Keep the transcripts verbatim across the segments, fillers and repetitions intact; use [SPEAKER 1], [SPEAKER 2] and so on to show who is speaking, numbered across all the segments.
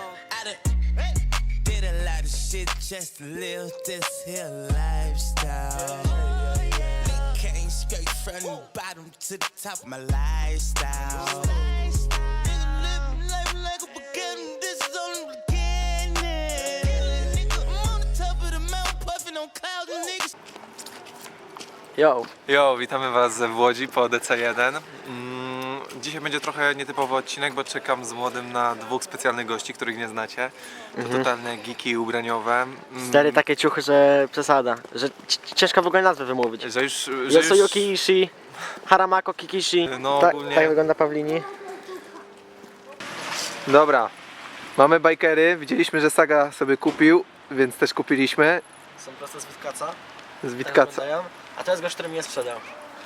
[SPEAKER 1] I done did a lot of shit just to live this here lifestyle. Came straight from the bottom to the top of my lifestyle. Nigga living life like a beginning, this is only the beginning. Nigga, I'm on the top of the mountain, puffing on clouds and niggas.
[SPEAKER 2] Yo.
[SPEAKER 3] Jo, witamy was w Łodzi po D C jeden. Mm, dzisiaj będzie trochę nietypowy odcinek, bo czekam z młodym na dwóch specjalnych gości, których nie znacie. To
[SPEAKER 2] Mhm.
[SPEAKER 3] totalne geeki ubraniowe. Mm,
[SPEAKER 2] Stary takie ciuchy, że przesada. Że c- ciężko w ogóle nazwę wymówić.
[SPEAKER 3] Że już... Że
[SPEAKER 2] Yosuyuki Ishii, Haramako Kikishi.
[SPEAKER 3] No,
[SPEAKER 2] Ta,
[SPEAKER 3] ogólnie-
[SPEAKER 2] tak wygląda Pawlini.
[SPEAKER 3] Dobra, mamy bikery. Widzieliśmy, że Saga sobie kupił, więc też kupiliśmy.
[SPEAKER 2] Są prosto z Witkaca.
[SPEAKER 3] Z Witkaca.
[SPEAKER 2] A to jest gość, który mnie sprzedał.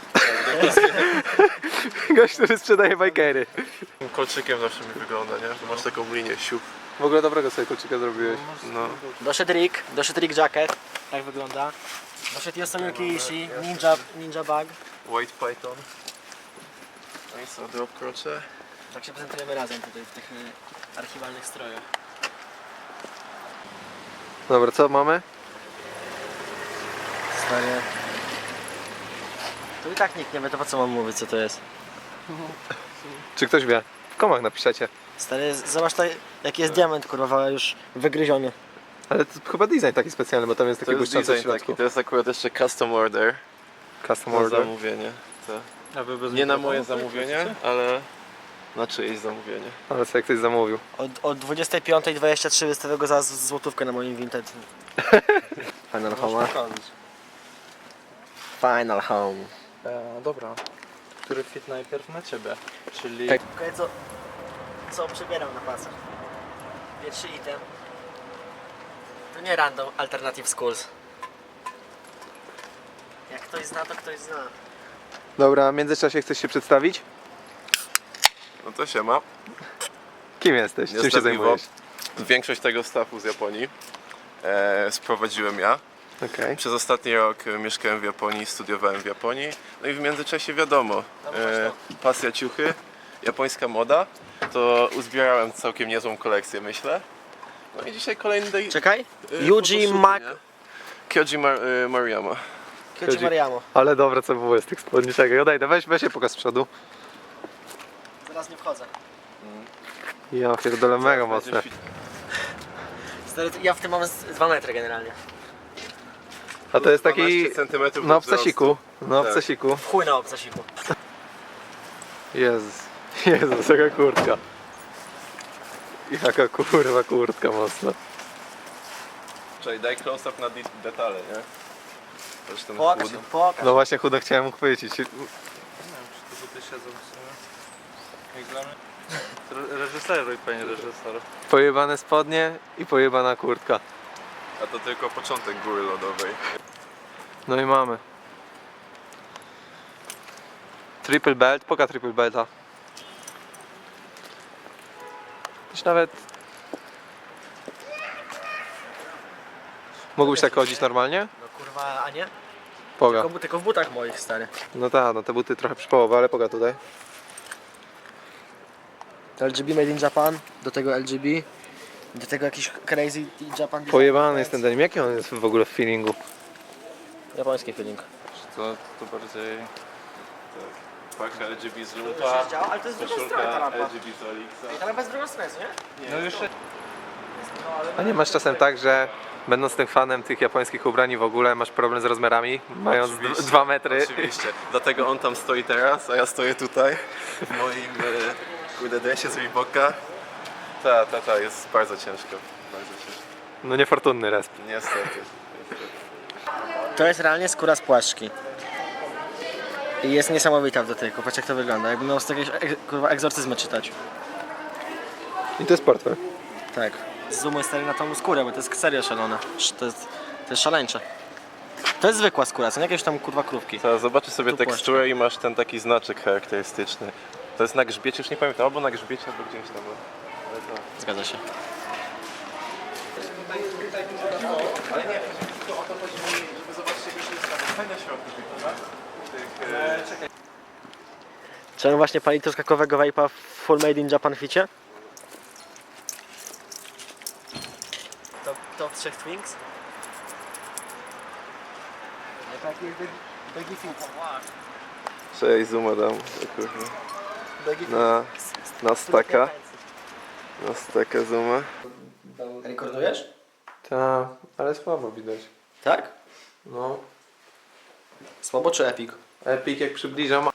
[SPEAKER 3] Gość, który sprzedaje bikery.
[SPEAKER 4] Kolczykiem zawsze mi wygląda, nie? Że masz taką linię siup.
[SPEAKER 3] W ogóle dobrego sobie kolczyka zrobiłeś.
[SPEAKER 4] No.
[SPEAKER 2] Doszedł Rick, doszedł Rick Jacket. Tak wygląda. Doszedł Yosuyuki Ishii, Ninja, ninja Bag.
[SPEAKER 4] White Python. No i co, drop krocze.
[SPEAKER 2] Tak się prezentujemy razem tutaj w tych y, archiwalnych strojach.
[SPEAKER 3] Dobra, co mamy?
[SPEAKER 2] Stary. Tu i tak nikt nie wie, to po co mam mówić, co to jest.
[SPEAKER 3] Czy ktoś wie? W komach napiszecie.
[SPEAKER 2] Stary, zobacz tutaj, jaki jest diament, kurwa, już wygryziony.
[SPEAKER 3] Ale to chyba design taki specjalny, bo tam jest
[SPEAKER 4] To
[SPEAKER 3] taki
[SPEAKER 4] jest
[SPEAKER 3] błyszczący w
[SPEAKER 4] design taki,
[SPEAKER 3] środku.
[SPEAKER 4] to jest akurat jeszcze custom order.
[SPEAKER 3] Custom
[SPEAKER 4] Na
[SPEAKER 3] order.
[SPEAKER 4] zamówienie. To. Nie na moje zamówienie, ale na czyjeś zamówienie.
[SPEAKER 3] Ale co jak ktoś zamówił.
[SPEAKER 2] Od, od dwudziestej piątej dwadzieścia trzy wystawię go za z- złotówkę na moim Vinted. Final Home. Final Home.
[SPEAKER 5] E, dobra. Który fit najpierw na ciebie? Czyli
[SPEAKER 2] Tak. Okej, co, co przebieram na pasach? Pierwszy item. To nie random alternative schools. Jak ktoś zna, to ktoś zna.
[SPEAKER 3] Dobra, w międzyczasie chcesz się przedstawić?
[SPEAKER 4] No to się ma.
[SPEAKER 3] Kim jesteś? Czym się
[SPEAKER 4] Jestem
[SPEAKER 3] zajmujesz?
[SPEAKER 4] Iwo. Większość tego staffu z Japonii e, sprowadziłem ja.
[SPEAKER 3] Okej.
[SPEAKER 4] Przez ostatni rok e, mieszkałem w Japonii, studiowałem w Japonii. No i w międzyczasie wiadomo, e, pasja ciuchy, japońska moda. To uzbierałem całkiem niezłą kolekcję, myślę. No i dzisiaj kolejny day.
[SPEAKER 2] Czekaj.
[SPEAKER 4] e,
[SPEAKER 2] Yuji
[SPEAKER 4] photoshoot,
[SPEAKER 2] Mak...
[SPEAKER 4] nie? Kyoji Mar e, Maruyama.
[SPEAKER 2] Kyoji Mariamo.
[SPEAKER 3] Ale dobra, co było z tych spodni. Czekaj, odejdę. Weź, weź się pokaż z przodu.
[SPEAKER 2] Zaraz nie wchodzę.
[SPEAKER 3] Ja pierdolę mega
[SPEAKER 4] Będzie
[SPEAKER 3] mocne.
[SPEAKER 4] fit.
[SPEAKER 2] Stary, ja w tym mam z dwa metry generalnie.
[SPEAKER 3] A to jest taki...
[SPEAKER 4] dwanaście centymetrów
[SPEAKER 3] Na
[SPEAKER 4] do wzrostu.
[SPEAKER 3] obcasiku. Na
[SPEAKER 4] Tak.
[SPEAKER 3] obcasiku.
[SPEAKER 2] W chuj na obcasiku.
[SPEAKER 3] Jezus. Jezus, jaka kurtka. Jaka kurwa kurtka mocna.
[SPEAKER 4] Czekaj, daj close-up na de- detale, nie? Patrz ten
[SPEAKER 2] Pokaż,
[SPEAKER 4] chód.
[SPEAKER 2] się, pokaż.
[SPEAKER 3] No właśnie chudo chciałem chwycić.
[SPEAKER 5] nie wiem, czy te buty siedzą w sumie. Jak dla mnie. Re- Reżyseruj, panie reżyser.
[SPEAKER 3] Pojebane spodnie i pojebana kurtka.
[SPEAKER 4] A to tylko początek góry lodowej.
[SPEAKER 3] No i mamy. Triple belt, poka triple belta. Już nawet... Mógłbyś tak chodzić normalnie?
[SPEAKER 2] No kurwa, a nie?
[SPEAKER 3] Poga.
[SPEAKER 2] Tylko, tylko w butach moich, stary.
[SPEAKER 3] No tak, no te buty trochę przypołowe, ale poga tutaj.
[SPEAKER 2] L G B Made in Japan, do tego L G B, do tego jakiś crazy Japan design.
[SPEAKER 3] Pojebany jest ten denim. Jaki on jest w ogóle w feelingu?
[SPEAKER 2] Japoński feeling.
[SPEAKER 5] To, to bardziej...
[SPEAKER 4] Paka L G B z
[SPEAKER 2] To
[SPEAKER 4] lumpa,
[SPEAKER 2] już działa, ale to jest z drugiej strony ta
[SPEAKER 4] koszulka
[SPEAKER 2] lampa.
[SPEAKER 4] L G B z Olixa.
[SPEAKER 2] Ta lampa jest z drugą stronę, nie?
[SPEAKER 5] No już
[SPEAKER 3] A nie masz czasem tak, że będąc tym fanem tych japońskich ubrań w ogóle masz problem z rozmiarami, mając
[SPEAKER 4] Oczywiście,
[SPEAKER 3] dwa metry?
[SPEAKER 4] Oczywiście. Dlatego on tam stoi teraz, a ja stoję tutaj w moim e, kurde dresie z Reeboka. Ta, ta, ta, jest bardzo ciężko. Bardzo ciężko.
[SPEAKER 3] No niefortunny resp.
[SPEAKER 4] Niestety.
[SPEAKER 2] To jest realnie skóra z płaszczki. I jest niesamowita w dotyku, patrz jak to wygląda, jakby miał z jakiegoś ek- kurwa egzorcyzmy czytać.
[SPEAKER 3] I to jest portfel.
[SPEAKER 2] Tak. Zoomuj stary na tą skórę, bo to jest serio szalone. Sz- To jest, to jest szaleńcze. To jest zwykła skóra, co nie jakieś tam kurwa krówki.
[SPEAKER 4] Teraz zobaczysz sobie
[SPEAKER 2] Tu
[SPEAKER 4] teksturę i masz ten taki znaczek charakterystyczny. To jest na grzbiecie, już nie pamiętam, albo na grzbiecie, albo gdzieś tam. Ale to...
[SPEAKER 2] Zgadza się.
[SPEAKER 4] Ale nie, to o to chodzi mi, żeby zobaczyć jak się jest fajne środki tych, prawda? Tych, e...
[SPEAKER 2] Czy on właśnie pali truskawkowego vape'a w full made in Japan ficie? Top, top trzech Twinks? Taki Baggy Fit.
[SPEAKER 4] Cześć, zooma dam. Na, na staka. Na staka zooma.
[SPEAKER 2] Rekordujesz?
[SPEAKER 3] Tak, ale słabo widać.
[SPEAKER 2] Tak?
[SPEAKER 3] No,
[SPEAKER 2] Słabo czy epic?
[SPEAKER 3] Epic jak przybliżam.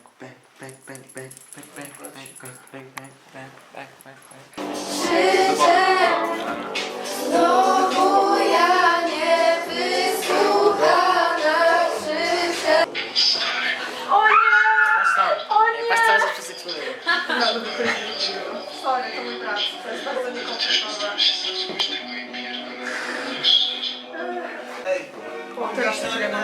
[SPEAKER 6] Znowu ja nie wysłuchana krzyczę. O nie! O nie!
[SPEAKER 2] Patrz cały czas przez eksperyment.
[SPEAKER 6] Sorry, to mój brat. To jest bardzo niekomfortowe. O, teraz to czekaj,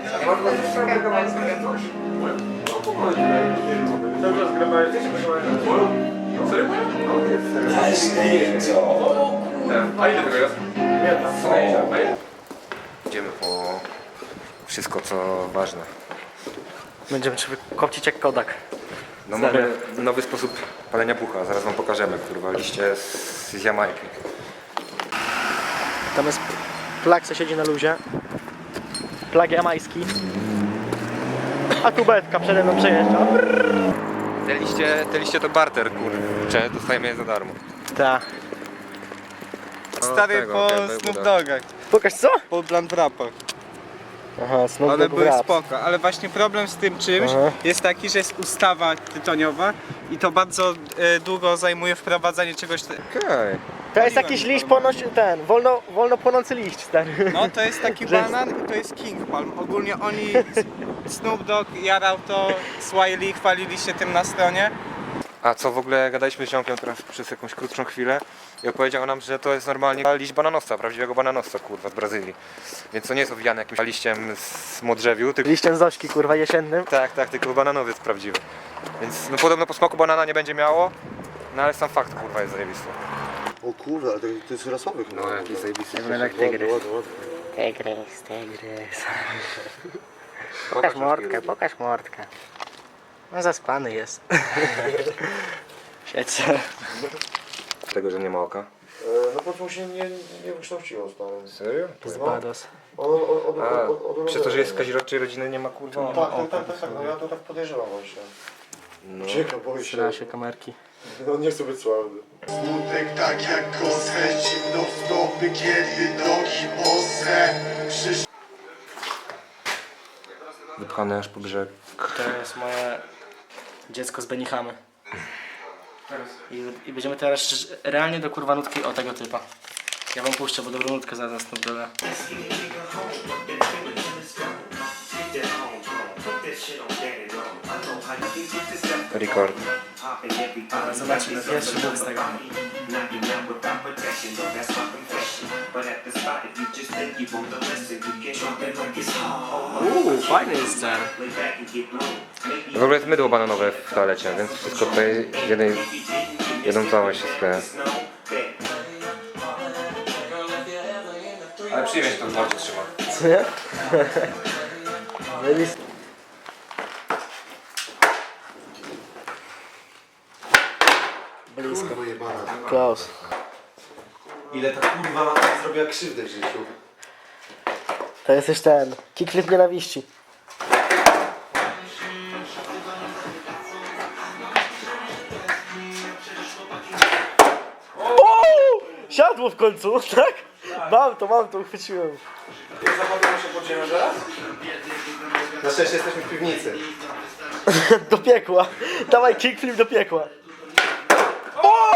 [SPEAKER 3] A ile tego jest?
[SPEAKER 7] Idziemy po wszystko co ważne.
[SPEAKER 2] Będziemy trzeba kopcić jak Kodak.
[SPEAKER 7] No mamy nowy sposób palenia bucha, zaraz wam pokażemy, kurwa, liście z, z Jamajki.
[SPEAKER 2] Tam jest plag, co siedzi na luzie. Plag jamański. A tu betka przede mną przejeżdża.
[SPEAKER 7] Te liście, te liście to barter, kurczę, dostajemy je za darmo.
[SPEAKER 2] Ta.
[SPEAKER 5] Stary
[SPEAKER 7] tego,
[SPEAKER 5] po
[SPEAKER 7] Gęby
[SPEAKER 5] Snoop
[SPEAKER 7] Buda.
[SPEAKER 5] Doggach,
[SPEAKER 2] Pokaż co?
[SPEAKER 5] po Blunt Wrapach.
[SPEAKER 2] Aha, Snoop
[SPEAKER 5] One
[SPEAKER 2] Dogg
[SPEAKER 5] były
[SPEAKER 2] rap.
[SPEAKER 5] spoko, ale właśnie problem z tym czymś
[SPEAKER 2] Aha.
[SPEAKER 5] jest taki, że jest ustawa tytoniowa i to bardzo e, długo zajmuje wprowadzanie czegoś. Te...
[SPEAKER 7] Okej.
[SPEAKER 2] To jest jakiś liść ponoć, ten, wolno, wolno płonący liść, stary.
[SPEAKER 5] No to jest taki
[SPEAKER 2] Że-
[SPEAKER 5] banan i to jest King Palm. Ogólnie oni, Snoop Dogg jarał to, Swiley chwalili się tym na stronie.
[SPEAKER 7] A co w ogóle gadaliśmy z ziomkiem teraz przez jakąś krótszą chwilę i opowiedział nam, że to jest normalnie liść bananowca, prawdziwego bananowca, kurwa, z Brazylii. Więc to nie jest owijane jakimś liściem z modrzewiu, tylko...
[SPEAKER 2] Liściem Zośki, kurwa, jesiennym.
[SPEAKER 7] Tak, tak, tylko bananowiec prawdziwy. Więc no podobno po smaku banana nie będzie miało, no ale sam fakt, kurwa, jest zajebisty.
[SPEAKER 8] O kurde, ale to, to jest rasowy chyba.
[SPEAKER 7] No jakiś zajebisty.
[SPEAKER 2] Wygląda jak
[SPEAKER 8] Ładny,
[SPEAKER 2] tygrys.
[SPEAKER 8] ładny, ładny.
[SPEAKER 2] Tygrys, tygrys. Pokaż mordkę, pokaż mordkę. No zaspany jest. Siedź se.
[SPEAKER 7] Tego, że nie ma oka.
[SPEAKER 8] E, no po prostu się nie, nie wykształciło, stary.
[SPEAKER 7] Serio?
[SPEAKER 2] Zbados.
[SPEAKER 8] On, on, on,
[SPEAKER 7] A,
[SPEAKER 8] on, on, on,
[SPEAKER 7] przez to, że jest z kazirodczej rodziny nie ma kurwa
[SPEAKER 8] Tak, tak, tak, tak, tak, no ja to tak podejrzewam właśnie.
[SPEAKER 7] No.
[SPEAKER 8] Ciekawe, boję się.
[SPEAKER 2] Trzyma się kamerki.
[SPEAKER 8] On nie chce być sławny.
[SPEAKER 9] Smutek tak jak kosę, zimno w stopy, kiedy nogi ostre. Przysz...
[SPEAKER 7] Wypchany aż po brzeg.
[SPEAKER 2] To jest moje dziecko z Benihamy. I, I będziemy teraz szczerze- realnie do kurwa nutki o tego typa. Ja wam puszczę, bo dobrą nutkę zaraz Snoop Dogga.
[SPEAKER 7] Record.
[SPEAKER 2] Ale zobaczymy, pierwszy był z tego. Uuu, fajny jest ten.
[SPEAKER 7] W ogóle jest mydło bananowe w toalecie, więc wszystko tutaj jednej, jedną całość się skleja. Ale przyjemnie się to w mordzie trzyma.
[SPEAKER 2] Co nie? Zajebisty. Blisko. Close.
[SPEAKER 8] Ile ta kurwa zrobiła krzywdę w życiu.
[SPEAKER 2] To jest też ten kickflip nienawiści. O! Siadło w końcu, tak? Mam to, mam to, uchwyciłem.
[SPEAKER 8] Zapadamy się pod ziemią zaraz? Na szczęście jesteśmy w piwnicy.
[SPEAKER 2] Do piekła. Dawaj kickflip do piekła. O!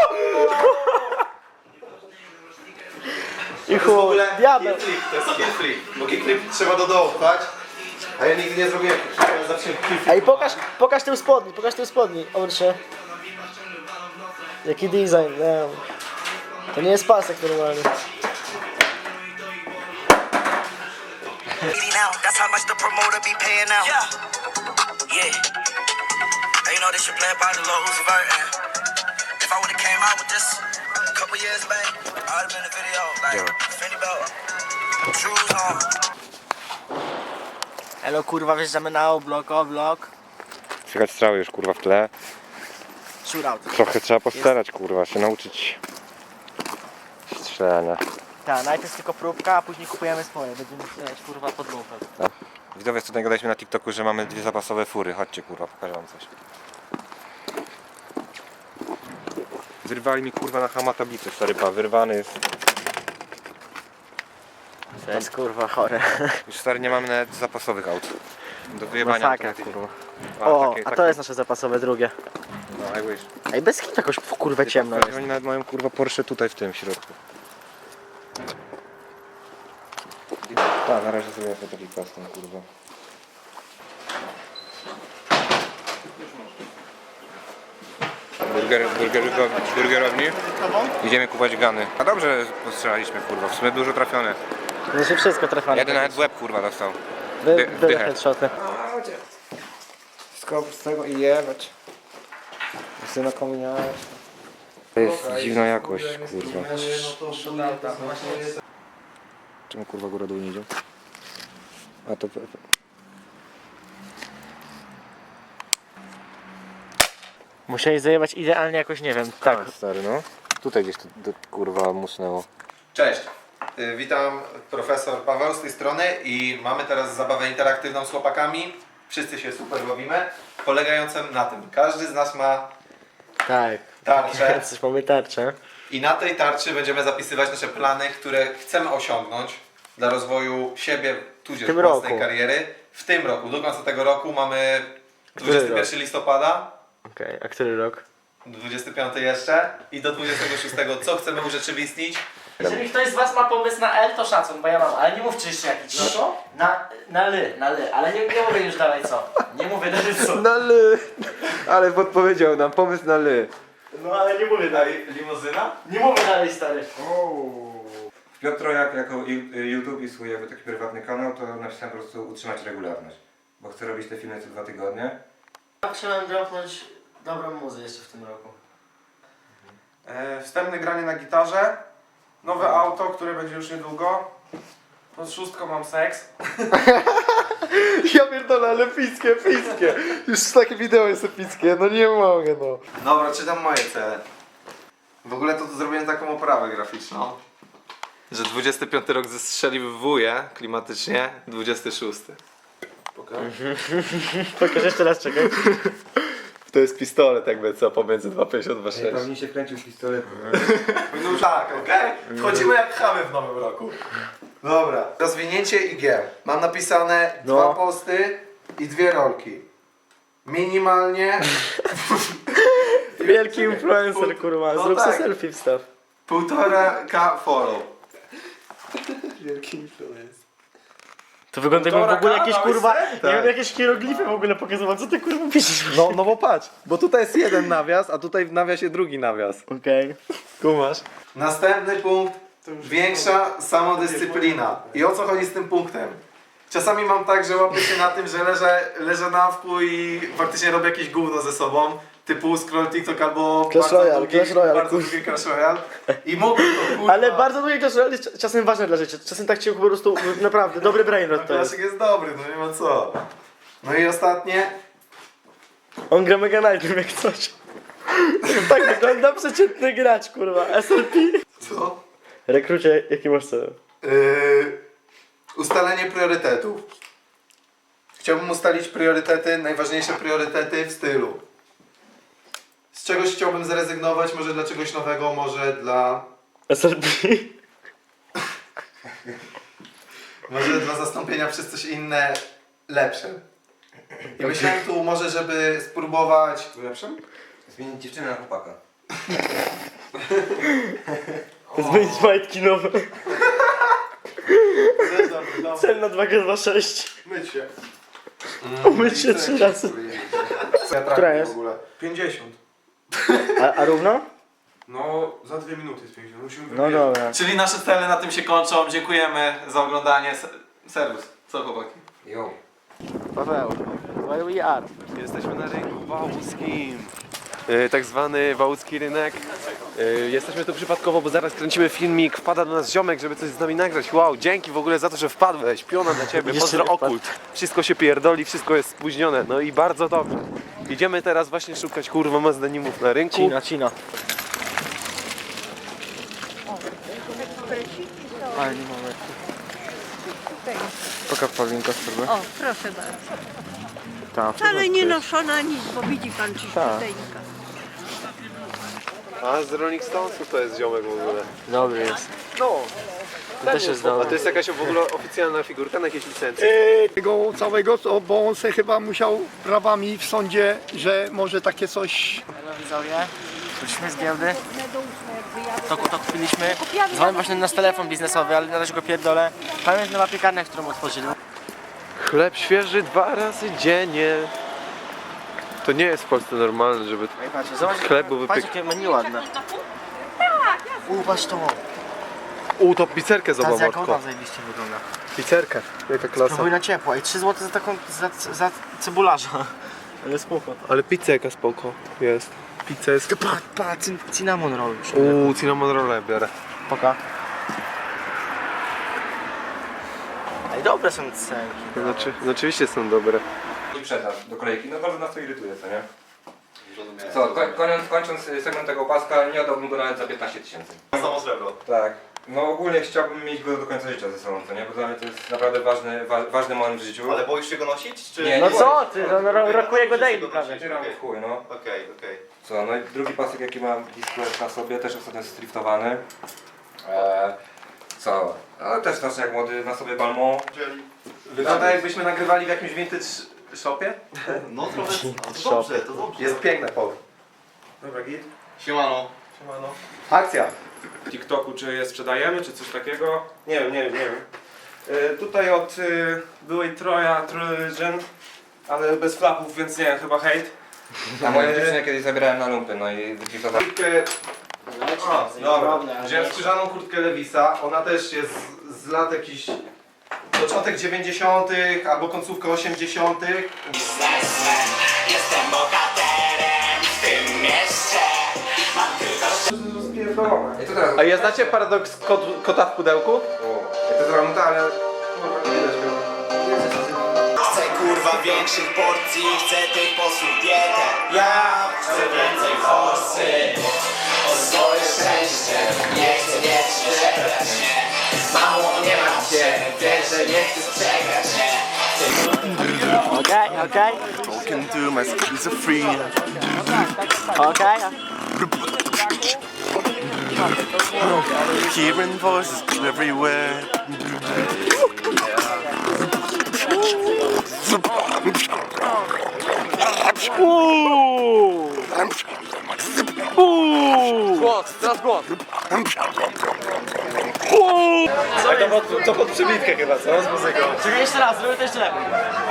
[SPEAKER 2] I chuj, diabeł.
[SPEAKER 8] Kickflip, to jest kickflip. Bo kickflip trzeba do dołu pchać. A ja nigdy nie zrobiłem kickflipa, ja zawsze kickflip.
[SPEAKER 2] Ej, pokaż, pokaż tył spodni, pokaż tył spodni. Obróć się. Jaki design, nie. To nie jest pasek normalny.
[SPEAKER 1] That's how much the promoter be paying out. Yeah. Yeah. And you know this shit played by the Lil Uzi Vert. And if I would've came out with this a couple years back, I would've been in the video. Like, Fendi belt, shoes on.
[SPEAKER 2] Elo kurwa, wjeżdżamy na oblok, oblok.
[SPEAKER 7] Słychać strzały już kurwa w tle.
[SPEAKER 2] Shootout.
[SPEAKER 7] Trochę trzeba postarać kurwa, się nauczyć strzelania.
[SPEAKER 2] Tak, najpierw jest tylko próbka, a później kupujemy swoje. Będziemy strzelać kurwa pod lufę.
[SPEAKER 7] Widzowie, tutaj gadaliśmy na TikToku, że mamy dwie zapasowe fury. Chodźcie kurwa, pokażę wam coś. Wyrwali mi kurwa na hama tablicę, stary pa, wyrwany jest.
[SPEAKER 2] To jest kurwa chore.
[SPEAKER 7] Już stary nie mamy nawet zapasowych aut. Do wyjebania.
[SPEAKER 2] Masakra kurwa.
[SPEAKER 7] A,
[SPEAKER 2] O,
[SPEAKER 7] takie-
[SPEAKER 2] a to
[SPEAKER 7] takie-
[SPEAKER 2] jest nasze zapasowe drugie.
[SPEAKER 7] No, I wish.
[SPEAKER 2] Ej, bez hit jakoś w kurwę ciemno
[SPEAKER 7] Stary,
[SPEAKER 2] jest.
[SPEAKER 7] Oni nawet mają kurwa Porsche tutaj w tym środku. Tak, na razie sobie jest taki custom kurwa. Burger, burger, burgerowni. Idziemy kupować gany. A dobrze postrzelaliśmy kurwa, w sumie dużo trafione.
[SPEAKER 2] Znaczy wszystko trafione.
[SPEAKER 7] Jeden nawet w łeb kurwa dostał.
[SPEAKER 2] By,
[SPEAKER 7] dy-
[SPEAKER 2] były
[SPEAKER 7] dychę.
[SPEAKER 2] headshoty.
[SPEAKER 7] Skop z tego i jebać. Syna komuniać. To jest dziwna jakość kurwa. Czemu kurwa góra dół nie idzie? A to...
[SPEAKER 2] Musieli zajebać idealnie jakoś, nie wiem, tak.
[SPEAKER 7] Stary no. Tutaj gdzieś to, to kurwa musnęło.
[SPEAKER 8] Cześć, y, witam, profesor Paweł z tej strony i mamy teraz zabawę interaktywną z chłopakami. Wszyscy się super bawimy, polegającą na tym, każdy z nas ma
[SPEAKER 2] Tak.
[SPEAKER 8] tarczę
[SPEAKER 2] Coś mamy tarczę.
[SPEAKER 8] i na tej tarczy będziemy zapisywać nasze plany, które chcemy osiągnąć dla rozwoju siebie, tudzież
[SPEAKER 2] W tym
[SPEAKER 8] własnej
[SPEAKER 2] roku.
[SPEAKER 8] kariery. W tym roku, do końca tego roku mamy
[SPEAKER 2] Który
[SPEAKER 8] dwudziestego pierwszego listopada,
[SPEAKER 2] Okej, a który rok?
[SPEAKER 8] dwudziestego piątego jeszcze i do dwudziestego szóstego co chcemy urzeczywistnić.
[SPEAKER 2] Jeżeli ktoś z was ma pomysł na L, to szacun, bo ja mam, ale nie mówcie jeszcze jaki. Co? Na, na L, na L, ale nie, nie mówię już dalej co. Nie mówię dalej co.
[SPEAKER 7] Na ly! Ale podpowiedział nam pomysł na ly.
[SPEAKER 2] No ale nie mówię dalej.
[SPEAKER 8] Limuzyna?
[SPEAKER 2] Nie mówię dalej, stary.
[SPEAKER 7] Piotro, jak jako YouTube i swój jakby taki prywatny kanał, to napisałem po prostu utrzymać regularność. Bo chcę robić te filmy co dwa tygodnie.
[SPEAKER 2] Chciałem dropnąć dobrą muzę jeszcze w tym roku.
[SPEAKER 10] E, wstępne granie na gitarze, nowe auto, które będzie już niedługo. Pod szóstką mam seks.
[SPEAKER 8] Ja pierdolę, ale epickie, epickie. Już takie wideo jest epickie, no nie mogę no. Dobra, czytam moje cele. W ogóle to, to zrobiłem taką oprawę graficzną, że dwudziesty piąty rok zestrzeliwuje klimatycznie, dwudziesty szósty.
[SPEAKER 2] Pokaż jeszcze raz, czekaj.
[SPEAKER 8] To jest pistolet jakby co pomiędzy dwa pięćdziesiąt dwa sześć.
[SPEAKER 7] Pewnie się kręcił z pistoletem.
[SPEAKER 8] No tak, okej? Wchodzimy jak chamy w nowym roku. Dobra. Rozwinięcie I G. Mam napisane
[SPEAKER 2] No.
[SPEAKER 8] dwa posty i dwie rolki. Minimalnie
[SPEAKER 2] Wielki influencer, kurwa.
[SPEAKER 8] No
[SPEAKER 2] Zrób
[SPEAKER 8] tak.
[SPEAKER 2] sobie selfie wstaw.
[SPEAKER 8] półtora K follow. Wielki influencer.
[SPEAKER 2] To wygląda jakby w ogóle jakieś kurwa, nie
[SPEAKER 8] Tak.
[SPEAKER 2] wiem, jakieś hieroglify w ogóle pokazywał. Co ty kurwa piszesz?
[SPEAKER 8] No, no bo patrz, bo tutaj jest jeden nawias, a tutaj w nawiasie drugi nawias.
[SPEAKER 2] Okej.
[SPEAKER 8] Kumasz? Następny punkt. Większa samodyscyplina. I o co chodzi z tym punktem? Czasami mam tak, że łapię się na tym, że leżę, leżę na wpół i faktycznie robię jakieś gówno ze sobą. Typu scroll TikTok albo
[SPEAKER 2] Clash
[SPEAKER 8] bardzo
[SPEAKER 2] Royale,
[SPEAKER 8] długi,
[SPEAKER 2] Clash Royale,
[SPEAKER 8] bardzo
[SPEAKER 2] kurwa.
[SPEAKER 8] długi Clash Royale. I mógłbym to kurwa.
[SPEAKER 2] Ale bardzo długie Clash Royale jest czasem ważne dla życia. Czasem tak ci po prostu, naprawdę, dobry brainrot to jest.
[SPEAKER 8] Klasik jest dobry, no nie ma co. No i ostatnie.
[SPEAKER 2] On gra Mega Knight'em jak coś. Tak wygląda przeciętny gracz, kurwa. S L P.
[SPEAKER 8] Co?
[SPEAKER 2] Rekrucie, jaki masz cel?
[SPEAKER 8] Yy, ustalenie priorytetów. Chciałbym ustalić priorytety, najważniejsze priorytety w stylu. Z czegoś chciałbym zrezygnować, może dla czegoś nowego, może dla...
[SPEAKER 2] S L P.
[SPEAKER 8] Może dla zastąpienia przez coś inne lepsze. I myślałem tu może, żeby spróbować...
[SPEAKER 7] Lepszym? Zmienić dziewczynę na chłopaka.
[SPEAKER 2] Zmienić majtki nowe. Cel na dwa G dwa sześć.
[SPEAKER 8] Myć się.
[SPEAKER 2] Umyć się trzy razy. Która jest?
[SPEAKER 10] pięćdziesiąt.
[SPEAKER 2] A, a równo?
[SPEAKER 10] No, za dwie minuty jest pięćdziesiąt. Musimy
[SPEAKER 2] No
[SPEAKER 10] wybierać.
[SPEAKER 2] dobra.
[SPEAKER 8] Czyli nasze cele na tym się kończą. Dziękujemy za oglądanie. Serwus. Co chłopaki?
[SPEAKER 7] Jo.
[SPEAKER 2] Paweł, where we are?
[SPEAKER 4] Jesteśmy na rynku wałuskim. Yy, tak zwany wałuski rynek. Yy, jesteśmy tu przypadkowo, bo zaraz kręcimy filmik. Wpada do nas ziomek, żeby coś z nami nagrać. Wow, dzięki w ogóle za to, że wpadłeś. Piona dla ciebie,
[SPEAKER 2] Jeszcze
[SPEAKER 4] pozdro
[SPEAKER 2] nie wpadł.
[SPEAKER 4] okult. Wszystko się pierdoli, wszystko jest spóźnione. No i bardzo dobrze. Idziemy teraz właśnie szukać kurwa mazdanimów na rynku.
[SPEAKER 2] Cina, Cina. Ale nie mamy.
[SPEAKER 7] Pokaż Paulinka spróbuj.
[SPEAKER 11] O, proszę bardzo.
[SPEAKER 7] Tak,
[SPEAKER 11] Wcale nie noszona nic, bo widzi pan czyściuteńka.
[SPEAKER 3] A z Rolling Stonesów to jest ziomek w ogóle.
[SPEAKER 2] Dobry jest.
[SPEAKER 3] No.
[SPEAKER 2] To też jest
[SPEAKER 3] A
[SPEAKER 2] dobry.
[SPEAKER 3] to jest jakaś w ogóle oficjalna figurka na jakiejś licencji?
[SPEAKER 9] Tego całego, co- bo on se chyba musiał prawami w sądzie, że może takie coś...
[SPEAKER 2] Halo widzowie, wróciliśmy z giełdy. To, to kupiliśmy. Dzwonię właśnie na nasz telefon biznesowy, ale na razie go pierdolę. Tam jest nowa piekarnia, którą otworzyli.
[SPEAKER 3] Chleb świeży dwa razy dziennie. To nie jest w Polsce normalne, żeby
[SPEAKER 2] No i patrzcie, zobacz,
[SPEAKER 3] chleb był
[SPEAKER 2] patrz
[SPEAKER 3] wypiek...
[SPEAKER 2] jakie menu ładne. Upatrz to.
[SPEAKER 3] U, to pizzerkę
[SPEAKER 2] Ta z
[SPEAKER 3] zobacz,
[SPEAKER 2] jaką
[SPEAKER 3] Matko.
[SPEAKER 2] tam zajebiście wygląda.
[SPEAKER 3] Pizzerkę. Jaka klasa.
[SPEAKER 2] Próbuj na ciepło i trzy złote za taką, za, za cebularza. Ale spoko.
[SPEAKER 3] Ale pizza jaka spoko jest. Pizza jest...
[SPEAKER 2] Patrz, patrz, cinnamon roll.
[SPEAKER 3] Uuu, cinnamon roll biorę.
[SPEAKER 2] Poka. Ej, dobre są cenki.
[SPEAKER 3] Znaczy, no oczywiście są dobre.
[SPEAKER 7] I przetarg do kolejki. No bardzo nas to irytuje, co nie? Co, ko kończąc, kończąc segment tego paska, nie oddałbym go nawet za piętnaście tysięcy.
[SPEAKER 8] Samo srebro.
[SPEAKER 7] Tak. No ogólnie chciałbym mieć go do końca życia ze sobą, co nie? Bo dla mnie to jest naprawdę ważny, wa ważny moment w życiu.
[SPEAKER 8] Ale boisz się go nosić? Czy...
[SPEAKER 7] Nie,
[SPEAKER 2] No
[SPEAKER 7] nie
[SPEAKER 2] co ty, no ro- rokuje go daily prawie.
[SPEAKER 7] Wycieram w chuj, no.
[SPEAKER 8] Okej, okej.
[SPEAKER 7] Co, no i drugi pasek jaki mam Discord na sobie, też ostatnio jest striftowany. Eee, co? Ale też znaczy jak młody na sobie Balmont.
[SPEAKER 8] Wygląda jakbyśmy nagrywali w jakimś vintage shopie? No trochę, to dobrze, to dobrze. Jest piękne pole.
[SPEAKER 10] Dobra, git.
[SPEAKER 8] Siemano.
[SPEAKER 10] Siemano.
[SPEAKER 8] Akcja.
[SPEAKER 10] W TikToku czy je sprzedajemy, czy coś takiego? Nie wiem, nie wiem, nie wiem. E, tutaj od y, byłej Troja, Trojan, ale bez flapów, więc nie wiem, chyba hejt.
[SPEAKER 7] A moją dziewczynę kiedyś zabierałem na lumpy, no i wypiftowałem.
[SPEAKER 8] Kurtkę... A, dobra. Wziąłem skórzaną kurtkę Lewisa. Ona też jest z lat jakichś... Początek dziewięćdziesiątych albo końcówka osiemdziesiątych.
[SPEAKER 1] Jestem bohaterem w tym mieście. Mam tylko
[SPEAKER 7] I to teraz...
[SPEAKER 8] A ja znacie paradoks kot, kota w pudełku?
[SPEAKER 7] O, ja to zrobiłem, ale... Kurwa, nie widać go.
[SPEAKER 1] Chcę kurwa większych porcji, chcę tych posłów dietę. Ja chcę więcej forsy. O swoje szczęście, nie chcę mieć przebrać się. Mało nie mam cię, wiesz, że nie chcę strzegać się.
[SPEAKER 2] Okej, okej,
[SPEAKER 9] Talking to my schizophrenia.
[SPEAKER 2] okej.
[SPEAKER 9] Hearing voices everywhere.
[SPEAKER 3] Głos, teraz głos.
[SPEAKER 8] To pod, to pod przybitkę chyba, co? Z muzyką.
[SPEAKER 2] Czekaj jeszcze raz, zrobię to jeszcze lepiej.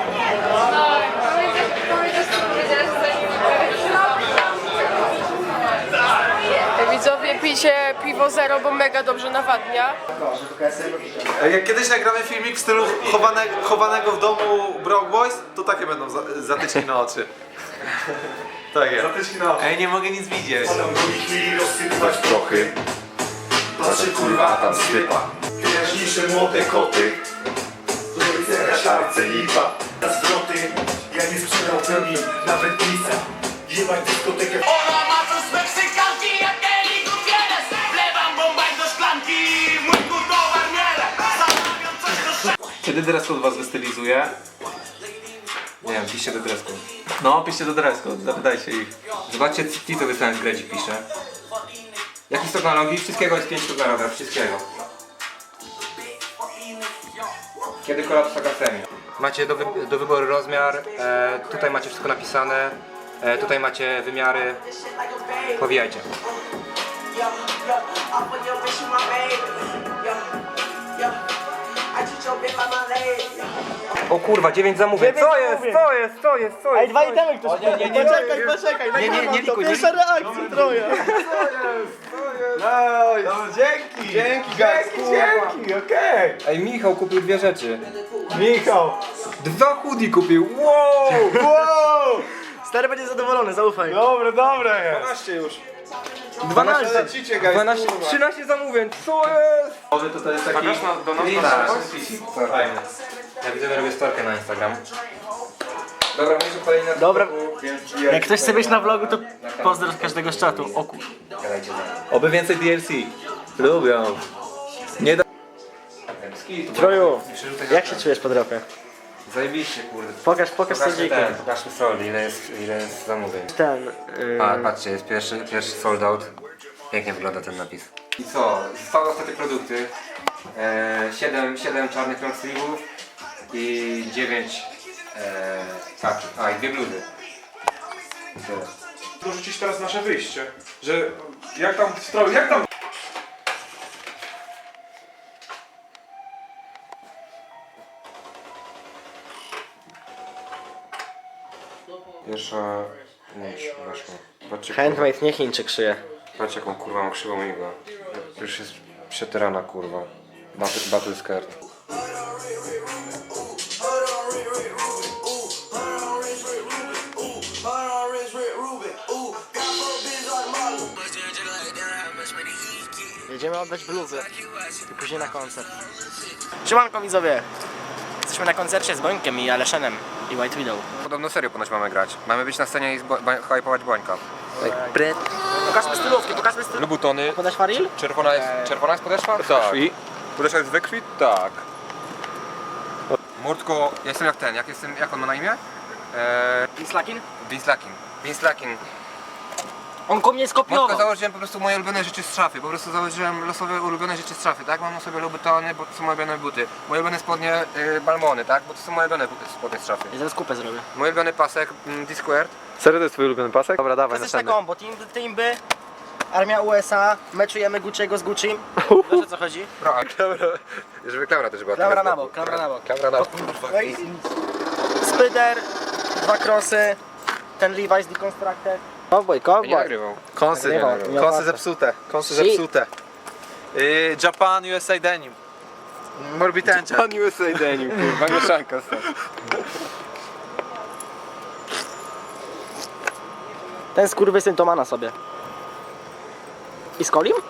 [SPEAKER 6] Widzowie, pijcie piwo zero, bo mega dobrze nawadnia.
[SPEAKER 8] Jak kiedyś nagramy filmik w stylu chowane, chowanego w domu Brock Boys, to takie będą za, zatyczki na oczy. Tak jest. Zatyczki na oczy. Ej, nie mogę nic widzieć.
[SPEAKER 9] chwili rozsypywać prochy. Patrzę kurwa tam sypa. Najjaśniejsze młode koty. Do rycerza szarce lipa. Na zwroty, ja nie sprzedał pełni nawet pisa. Jebać dyskotekę.
[SPEAKER 1] Ona ma coś z Meksykanki, jak Eli Gutierrez. Wlewam bombaj do szklanki, mój towar miele. Zamawiam coś do
[SPEAKER 8] Kiedy dress code was wystylizuje?
[SPEAKER 7] Nie wiem, piszcie do dresku.
[SPEAKER 8] No, piszcie do dress code, zapytajcie ich.
[SPEAKER 7] Zobaczcie, ci co wystałem w Gredzi pisze. Jaki stok na nogi? Wszystkiego jest pięć sztuk na nogach, wszystkiego. Kiedy kolab z Akademii? Macie do, wy do wyboru rozmiar, e, tutaj macie wszystko napisane, e, tutaj macie wymiary. Powijajcie. O kurwa, dziewięć zamówień. Co jest? Co jest? Co jest? Co jest?
[SPEAKER 2] Ej, dwa itemy ktoś nie, nie, nie,
[SPEAKER 7] Poczekaj, poczekaj, nie, nie, nie, nie, Pierwsza
[SPEAKER 2] reakcja, troja.
[SPEAKER 8] No, dzięki! Dzięki, dzięki, dzięki, okej!
[SPEAKER 7] Ej, Michał kupił dwie rzeczy.
[SPEAKER 8] Michał!
[SPEAKER 7] Dwa hoodie kupił. Wow!
[SPEAKER 8] Wow!
[SPEAKER 2] Stary będzie zadowolony, zaufaj.
[SPEAKER 8] Dobre, dobre jest!
[SPEAKER 10] dwanaście już.
[SPEAKER 7] dwanaście,
[SPEAKER 8] Lecicie, guys,
[SPEAKER 7] dwanaście,
[SPEAKER 8] kurwa.
[SPEAKER 7] trzynaście zamówień. Co jest?
[SPEAKER 8] Może to, to jest taki...
[SPEAKER 10] Pamiętasz na- do nas
[SPEAKER 8] Clean
[SPEAKER 10] na
[SPEAKER 8] up.
[SPEAKER 7] Co?
[SPEAKER 8] Fajne.
[SPEAKER 7] Ja widzę, że robię storkę na Instagram. Dobra, my się kolejna.
[SPEAKER 2] Dobra.
[SPEAKER 7] Więc
[SPEAKER 2] Jak ktoś chce być na vlogu, to pozdrow każdego z czatu. O kur...
[SPEAKER 7] gadajcie za mną.
[SPEAKER 8] Oby więcej D L C.
[SPEAKER 3] Lubią. Nie da...
[SPEAKER 2] Troju, jak się czujesz po dropie?
[SPEAKER 7] Zajebiście, kurde.
[SPEAKER 2] Pokaż, pokaż co
[SPEAKER 7] Pokażmy
[SPEAKER 2] dziki.
[SPEAKER 7] ten, pokażmy sold, ile jest, ile jest zamówień.
[SPEAKER 2] Ten, yy...
[SPEAKER 7] A, patrzcie, jest pierwszy, pierwszy sold out. Pięknie wygląda ten napis. I co? Zostały ostatnie produkty. E, siedem, siedem czarnych long sleeve'ów i dziewięć e, taki. A, i dwie bluzy. I tyle.
[SPEAKER 10] Dorzucić teraz nasze wyjście, że jak tam w stroju, jak tam...
[SPEAKER 7] Pierwsza nóż weszła. Patrzcie,
[SPEAKER 2] Handmade, nie Chińczyk szyje.
[SPEAKER 7] patrz jaką kurwa mam krzywą igłę. Już jest przetyrana kurwa. Battle, battle skirt.
[SPEAKER 2] Jedziemy oddać bluzy i później na koncert. Siemanko widzowie! Jesteśmy na koncercie z Bońkiem i Aleszenem i White Widow.
[SPEAKER 7] Podobno serio ponoć mamy grać. Mamy być na scenie i hypować Bońka.
[SPEAKER 2] Pokażmy stylówki, pokażmy stylówki.
[SPEAKER 7] Lubutony.
[SPEAKER 2] Podasz Faril?
[SPEAKER 7] Czerwona jest, czerwona jest podeszwa?
[SPEAKER 3] Tak. Podeszła jest we krwi? Tak.
[SPEAKER 7] Murtko, ja jestem jak ten, jak jestem, jak on ma na imię? Eee,
[SPEAKER 2] Vince Lakin?
[SPEAKER 7] Vince Lakin. Vince Lakin.
[SPEAKER 2] On ko mnie
[SPEAKER 7] Murtko,
[SPEAKER 2] skopiował!
[SPEAKER 7] założyłem po prostu moje ulubione rzeczy z szafy. Po prostu założyłem losowe ulubione rzeczy z szafy, tak? Mam na sobie Louboutony, bo to są moje ulubione buty. Moje ulubione spodnie y, Balmony, tak? Bo to są moje ulubione buty, spodnie z szafy.
[SPEAKER 2] Ja zaraz kupę zrobię.
[SPEAKER 7] Mój ulubiony pasek mm, D-Squared.
[SPEAKER 3] Serio to jest twój ulubiony pasek? Dobra, dawaj,
[SPEAKER 2] Klasyczne
[SPEAKER 3] następny.
[SPEAKER 2] combo, team, teamby, armia U S A, meczujemy Gucci'ego z Gucci'm. Wiesz o co chodzi?
[SPEAKER 7] No, a klaura, żeby klaura też była.
[SPEAKER 2] Klamra na bok, klamra na bok.
[SPEAKER 7] Klamra na bok.
[SPEAKER 2] Spyder, dwa krosy, ten Levi's Deconstructed. Cowboy,
[SPEAKER 7] Nie
[SPEAKER 2] cowboy.
[SPEAKER 7] nagrywał.
[SPEAKER 3] Kąsy,
[SPEAKER 2] Nagrywał, miał
[SPEAKER 3] kąsy
[SPEAKER 2] łatwe.
[SPEAKER 3] zepsute, kąsy
[SPEAKER 2] Shit.
[SPEAKER 3] zepsute. Yy, Japan U S A Denim. Morbitencie.
[SPEAKER 7] Pan U S A Denim, kurwa, mieszanka stąd.
[SPEAKER 2] Ten skurwysyn to ma na sobie. I z Kolim?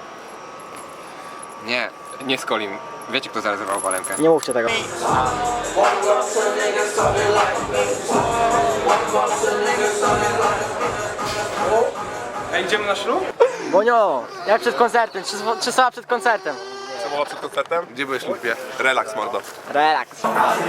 [SPEAKER 7] Nie, nie z Kolim. Wiecie kto zarezerwował walenkę?
[SPEAKER 2] Nie mówcie tego.
[SPEAKER 10] Ej, idziemy na ślub?
[SPEAKER 2] Bonio, jak przed koncertem, trzy, trzy słowa przed koncertem.
[SPEAKER 4] Co było przed koncertem? Gdzie byłeś lubie? Relaks, mordo.
[SPEAKER 2] Relaks.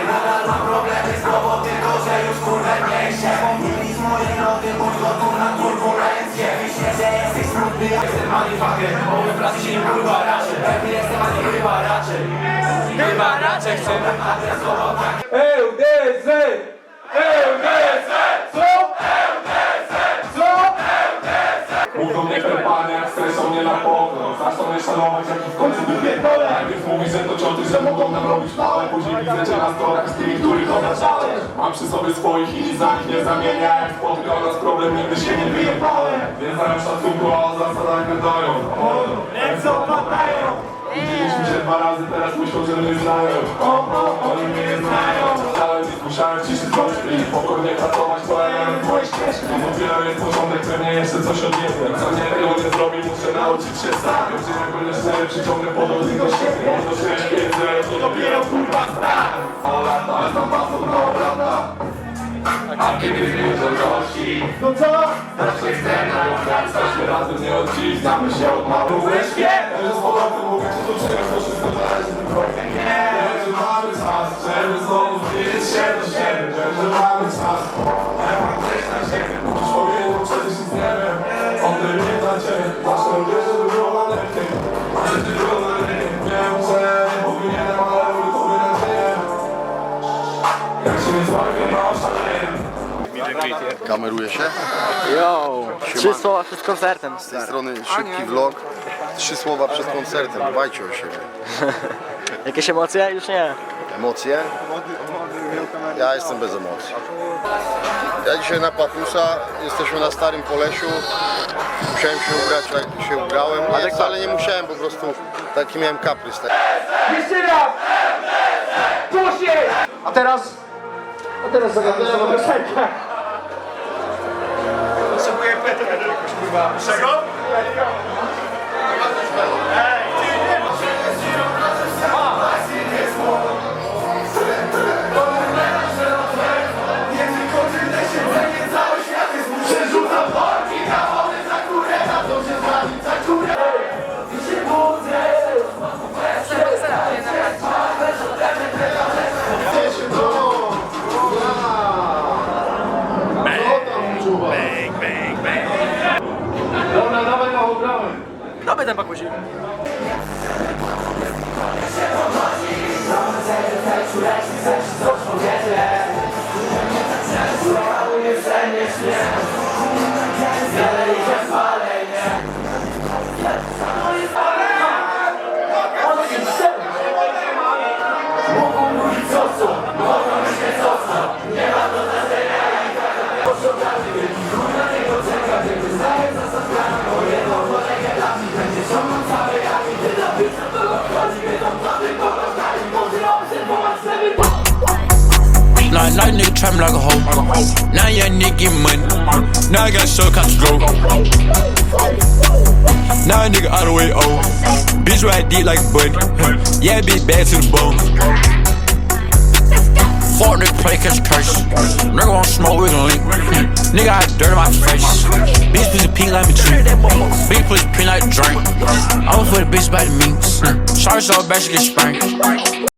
[SPEAKER 10] L D Z! L D Z! Co?
[SPEAKER 9] Mówią mnie te panie, jak streszą mnie na pokój. Zaczną mnie szanować, jak w końcu wypierdolę. Najpierw mówisz, że to cioty, że mogą nam robić małe. Później widzę cię na storach z tymi, których obrażałem. Mam przy sobie swoich i nic za nich nie zamienia. Jak spotkał nas problem, nigdy się nie wyjebałem. Więc dają szacunku, a o zasadach wydają. Ręce opadają. Widzieliśmy się dwa razy, teraz myślą, że mnie znają. O, o, oni mnie nie znają. Ale nie musiałem ciszyć troszkę i spokojnie pracować, to element twojej ścieżki. Dopiero jest porządek, pewnie jeszcze coś odjebie. Co nie tego nie zrobi, muszę nauczyć się sam. Wiem, że jak będę szczery, przyciągnę podobnie do siebie. Mam do sześć pięćdziesiąt, to dopiero kurwa strach. O lata, ale tam pasą do obrata. A kiedy wrócą gości, no co? Zawsze chcę na wracać, razem nie odciskamy się od małych świat. Że z powrotem mówię, czy to czegoś, to wszystko zależy tylko nie. Że mamy czas, żeby znowu zbliżyć się do siebie. Że mamy czas, ja mam coś na siebie. Musisz powiedzieć, przecież nic nie wiem. On tym nie dla ciebie, zawsze lubię, żeby było na lepiej. Żeby było na lepiej. Wiem, że nie powinienem, ale robię tobie nadzieję. Jak się nie złapię, no oszaleję.
[SPEAKER 12] Kameruje się?
[SPEAKER 2] Yo, trzy słowa przed koncertem.
[SPEAKER 12] Z tej strony szybki vlog. Trzy słowa przed koncertem, dbajcie o siebie.
[SPEAKER 2] Jakieś emocje? Już nie.
[SPEAKER 12] Emocje? Ja jestem bez emocji. Ja dzisiaj na Patusa, jesteśmy na Starym Polesiu. Musiałem się ubrać, jak się ubrałem. Nie, wcale nie musiałem, po prostu taki miałem kaprys.
[SPEAKER 10] Jeszcze raz! Puść!
[SPEAKER 2] A teraz... A teraz zagadnę nową piosenkę.
[SPEAKER 10] Potrzebuję petkę jakoś, kurwa. Czego?
[SPEAKER 9] Przerzucam worki na wody za górę, na to się z wami za górę. I się
[SPEAKER 2] Dawaj ten pakuzi.
[SPEAKER 13] Nah, nah, nigga trap me like a hoe. Now young nigga get money. Now I got show country grow. Now a nigga all the way old. Bitch ride deep like a bunny. Yeah, bitch bad to the bone. Fuck nigga play catch a curse. Nigga won't smoke, we gon' link. Nigga I dirt in my face. Bitch pussy pink like me tree. Bitch pussy pink like a drink. I was for the bitch by the means. Sorry so bad she get spanked.